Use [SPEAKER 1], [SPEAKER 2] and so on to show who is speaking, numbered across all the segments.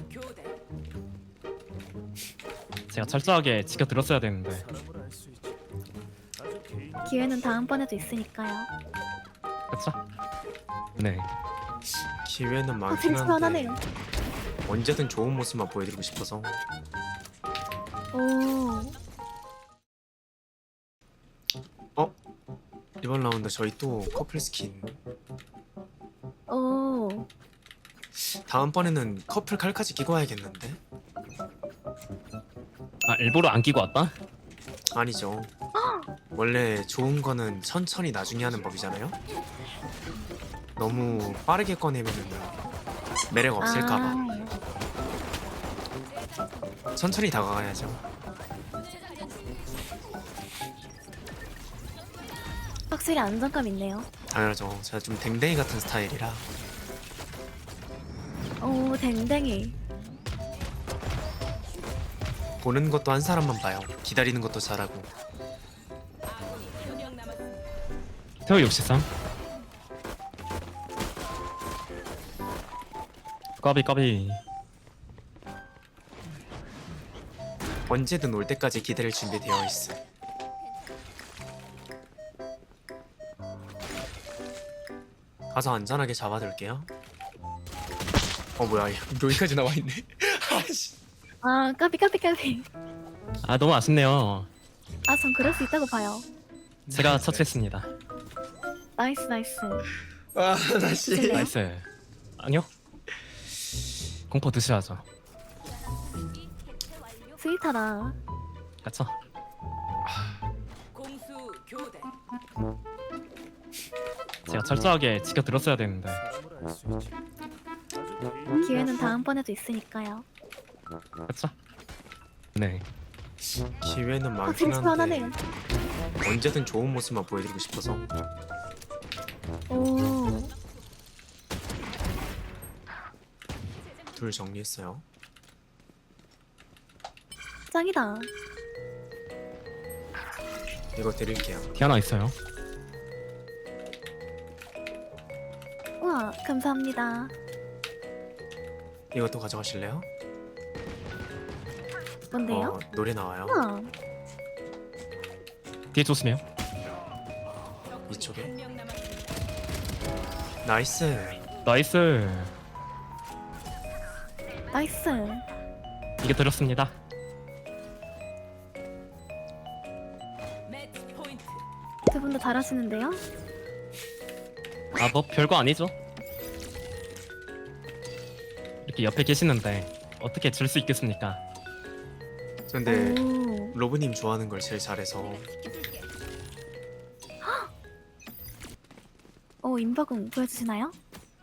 [SPEAKER 1] 제가 철저하게 지켜들었어야 되는데.
[SPEAKER 2] 기회는 다음번에도 있으니까요.
[SPEAKER 1] 그쵸? 네.
[SPEAKER 3] 기회는
[SPEAKER 2] 아,
[SPEAKER 3] 많긴
[SPEAKER 2] 벤치
[SPEAKER 3] 한데
[SPEAKER 2] 하나네요.
[SPEAKER 3] 언제든 좋은 모습만 보여드리고 싶어서.
[SPEAKER 2] 오,
[SPEAKER 3] 어? 이번 라운드 저희 또 커플 스킨.
[SPEAKER 2] 오.
[SPEAKER 3] 다음번에는 커플 칼까지 끼고 와야겠는데?
[SPEAKER 1] 아, 일부러 안 끼고 왔다?
[SPEAKER 3] 아니죠. 원래 좋은 거는 천천히 나중에 하는 법이잖아요? 너무 빠르게 꺼내면은 매력 없을까봐 천천히 다가가야죠.
[SPEAKER 2] 확실히 안정감 있네요.
[SPEAKER 3] 당연하죠. 제가 좀 댕댕이 같은 스타일이라.
[SPEAKER 2] 오, 댕댕이.
[SPEAKER 3] 보는 것도 한 사람만 봐요. 기다리는 것도 잘하고.
[SPEAKER 1] 태호 63. 까비.
[SPEAKER 3] 언제든 올 때까지 기다릴 준비되어 있어. 가서 안전하게 잡아둘게요. 뭐야, 여기까지 나와 있네. 아씨.
[SPEAKER 2] 아, 까비.
[SPEAKER 1] 아, 너무 아쉽네요.
[SPEAKER 2] 아, 전 그럴 수 있다고 봐요.
[SPEAKER 1] 제가 처치했습니다.
[SPEAKER 2] 나이스.
[SPEAKER 3] 아, 다시.
[SPEAKER 2] 드실래요?
[SPEAKER 1] 나이스. 아니요. 공포 드셔야죠.
[SPEAKER 2] 스윗하다.
[SPEAKER 1] 그쵸?
[SPEAKER 4] 공수 교대.
[SPEAKER 1] 제가 철저하게 지켜들었어야 되는데.
[SPEAKER 2] 기회는 다음번에도 있으니까요.
[SPEAKER 1] 그쵸? 네.
[SPEAKER 3] 기회는
[SPEAKER 2] 아,
[SPEAKER 3] 많긴
[SPEAKER 2] 벤치 하나네요.
[SPEAKER 3] 한데 언제든 좋은 모습만 보여드리고 싶어서.
[SPEAKER 2] 오,
[SPEAKER 3] 둘 정리했어요.
[SPEAKER 2] 짱이다.
[SPEAKER 3] 이거 드릴게요.
[SPEAKER 1] 티 하나 있어요.
[SPEAKER 2] 우와, 감사합니다.
[SPEAKER 3] 이것도 가져가실래요?
[SPEAKER 2] 뭔데요?
[SPEAKER 3] 노래 나와요.
[SPEAKER 2] 우와,
[SPEAKER 1] 뒤에 조심해요.
[SPEAKER 3] 이쪽에.
[SPEAKER 4] 한명 남았습니다.
[SPEAKER 3] 나이스.
[SPEAKER 1] 나이스.
[SPEAKER 2] 나이스.
[SPEAKER 1] 이게 들었습니다.
[SPEAKER 4] 매치 포인트.
[SPEAKER 2] 두 분 다 잘하시는데요?
[SPEAKER 1] 아, 뭐 별거 아니죠? 이렇게 옆에 계시는데 어떻게 질 수 있겠습니까?
[SPEAKER 3] 근데
[SPEAKER 2] 오,
[SPEAKER 3] 로브님 좋아하는 걸 제일 잘해서.
[SPEAKER 2] 오, 인버궁 보여주시나요?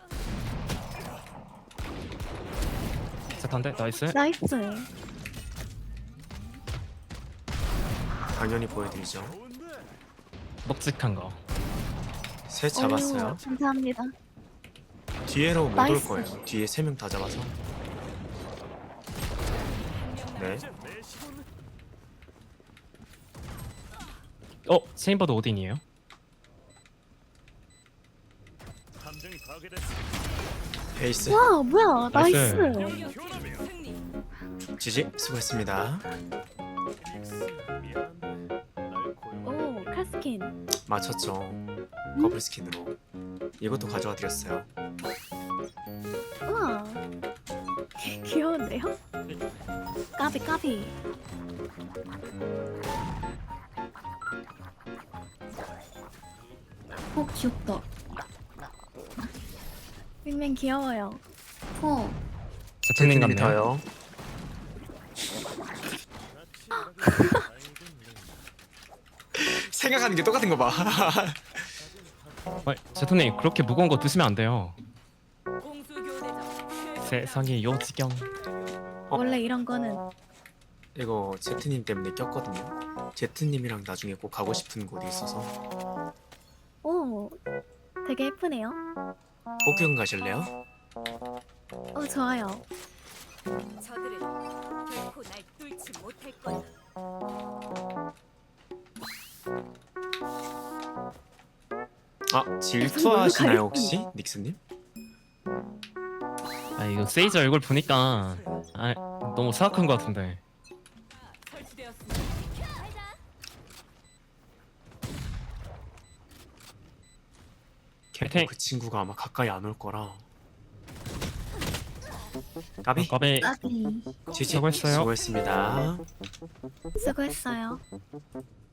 [SPEAKER 1] 세탄데 나이스.
[SPEAKER 2] 나이스.
[SPEAKER 3] 당연히 보여드리죠.
[SPEAKER 1] 먹직한 거.
[SPEAKER 3] 셋 잡았어요.
[SPEAKER 2] 오, 감사합니다.
[SPEAKER 3] 뒤에로 못 올
[SPEAKER 2] 나이스.
[SPEAKER 3] 거예요. 뒤에 3명 다 잡아서. 네.
[SPEAKER 1] 체인버드 오딘이에요?
[SPEAKER 3] 베이스.
[SPEAKER 2] 와, 뭐야,
[SPEAKER 1] 나이스.
[SPEAKER 2] 나이스.
[SPEAKER 4] 공격팀 승리.
[SPEAKER 3] 지지 수고했습니다.
[SPEAKER 2] 오, 칼스킨.
[SPEAKER 3] 맞췄죠. 커플 스킨으로. 이것도 가져와 드렸어요.
[SPEAKER 2] 우와, 귀여운데요? 까비. 귀엽다. 윙맨 귀여워요.
[SPEAKER 1] 세탄님 같네요.
[SPEAKER 3] 더요. 생각하는 게 똑같은 거 봐.
[SPEAKER 1] 세탄님 그렇게 무거운 거 드시면 안 돼요.
[SPEAKER 4] 공수 교대전.
[SPEAKER 1] 세상에 요지경.
[SPEAKER 2] 원래 이런 거는
[SPEAKER 3] 이거 제트님 때문에 꼈거든요. 제트님이랑 나중에 꼭 가고 싶은 곳이 있어서.
[SPEAKER 2] 오, 되게 예쁘네요.
[SPEAKER 3] 복귀금 가실래요?
[SPEAKER 2] 좋아요.
[SPEAKER 4] 저들은 결코 날 뚫지 못할 거야.
[SPEAKER 3] 질투하시나요 혹시? 닉스님?
[SPEAKER 1] 이거 세이지 얼굴 보니까 너무 사악한 것 같은데.
[SPEAKER 4] 설치되었습니다.
[SPEAKER 1] 캐팅.
[SPEAKER 3] 그 친구가 아마 가까이 안 올 거라. 까비?
[SPEAKER 1] 까비.
[SPEAKER 2] 까비.
[SPEAKER 3] 지지.
[SPEAKER 1] 수고했어요.
[SPEAKER 3] 수고했습니다.
[SPEAKER 2] 수고했어요.